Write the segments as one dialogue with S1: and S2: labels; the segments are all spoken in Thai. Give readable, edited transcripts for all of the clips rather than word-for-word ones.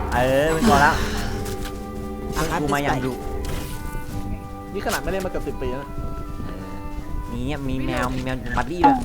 S1: เป็นตัวแล้วกูมาอย่างดุ
S2: นี่ขนาดไม่เล่นมาเกือบ10 ปีแล้ว
S1: มีแมวบัดดี้ด้วย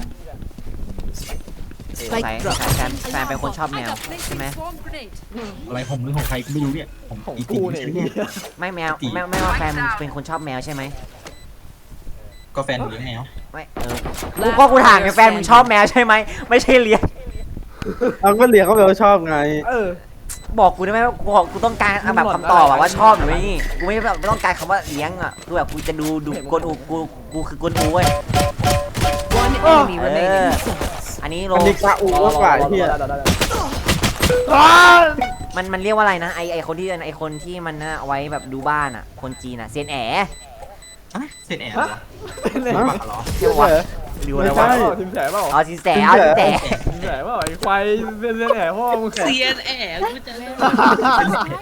S1: ใส่แฟนเป็นคนชอบแมวใช่ไหม
S3: อะไรผมหรือของใครก็ไม่รู้เนี่ยผม
S2: ของ
S3: อี
S2: กู
S3: ตี
S2: เนี่ย
S1: ไม่แมวไม่ว่าแฟนเป็นคนชอบแมวใช่ไหม
S3: ก็แฟนเลี้ยงแมว
S1: ไม่กูถามไงแฟนมึงชอบแมวใช่ไหมไม่ใช่เลี้ยง
S4: เอาก็เรียกเขาแบบว่าชอบไง
S1: บอกกูได้ไหมกูต้องการแบบคำตอบว่าชอบหรือไม่กูไม่แบบต้องการคำว่าเลี้ยงอ่ะคือแบบกูจะดูกวนอูกูคือกวนอูเว้ยอันนี้โล
S4: อันนี้กาอูมากกว่าไอ้เหี้ย
S1: มันเรียกว่าอะไรนะไอคนที่มันเอาไว้แบบดูบ้านอ่ะคนจีนอ่ะเซียนแอ๋
S3: เสร็จแอบเหรอ
S2: เล่น
S3: บ้าเหรอ
S1: ใช่ปะดูอะไรวะ
S2: ทีมแฉเปล่า
S1: อ๋อสินแสเอาสินแส
S2: ทีมแฉเปล่าไอ้ควายเล่นแฉพ่อมึง
S5: เซียนแอ๋กูจะเล่น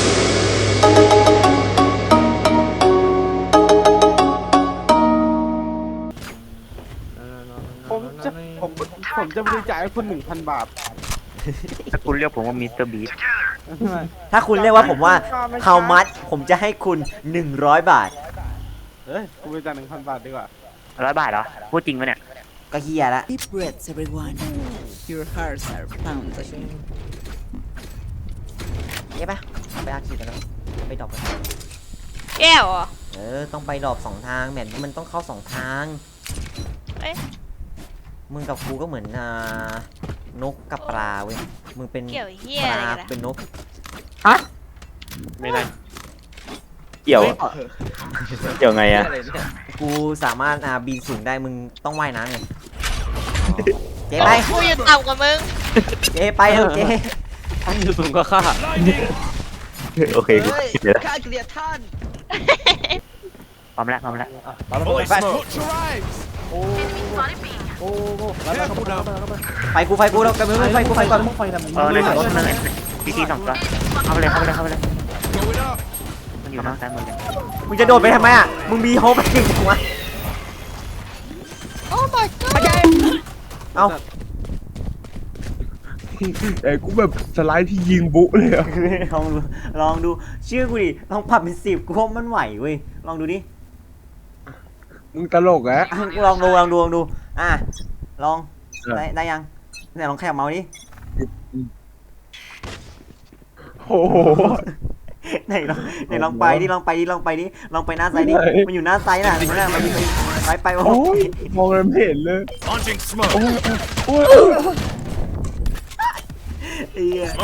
S4: ผมจะบริจาคให้คุณ 1,000 บาท
S6: ถ้าคุณเรียกผมว่ามิสเตอร์บีส
S1: ถ้าคุณเรียกว่าผมว่า how much ผมจะให้คุณ100 บาท
S4: เฮ้ยกูบริจาค 1,000 บาทดีกว่า
S6: 100 บาทเหรอ พูดจริงปะเนี่ย
S1: ก็เฮียละ
S5: Deep breaths everyone your hearts are pounding
S1: เย้ปะไปอาคีกันแล้วไปดรอปกัน
S7: แก้วเหรอ
S1: ต้องไปดรอป2 ทางแบบนี้มันต้องเข้า2 ทาง
S7: เอ๊ะ
S1: มึงกับกูก็เหมือนนกกับปลาเว้ยมึงเป็น
S7: เกี่ยวเหี้ย
S1: ป
S7: อะไร
S1: ลา
S7: กัน
S1: เป็นนก
S6: ไม่ได้ เกี่ยวอะเกี่ยวไงอะ
S1: กูสามารถบินสูงได้มึงต้องว่ายน้ำไงเจ๊ไป
S7: กูอยู่ต่ำกว่ามึง
S1: เจ๊ไปเถอะเจ๊
S6: ท่านอยู่สูงกว่าข้าโอเคกูเดี๋ยว
S5: ข้าเกลียดท่าน
S6: พร้อมแล้ว
S1: ไปกูแล้วกันมึงไฟกูก่อน
S6: ในรถนั่นแหละพี่ที2 ตัวเข้าไปเลยมันอยู่นอกซ้ายมือเลย
S1: มึงจะโดดไปทำไมอ่ะมึงมีโฮปไปจริงวะ
S7: โอ้ my god
S1: เอ้า
S4: กูแบบสไลด์ที่ยิงบุเลยอ่ะ
S1: ลองดูชื่อกูดิลองปรับเป็น10กูว่ามันไหวเว้ยลองดูดิ
S4: มึงตลกอะ
S1: กูลองดูลองได้ยังไหนลองขยับเมาส์ดิ
S4: โอ้โห
S1: ไหนลองไปดิลองไปหน้าไซด์ดิมันอยู่หน้าไซด์น่ะมันไปโอ้
S4: โอ้ยมองอะไรไม่เห็นเลย
S1: เหี้ย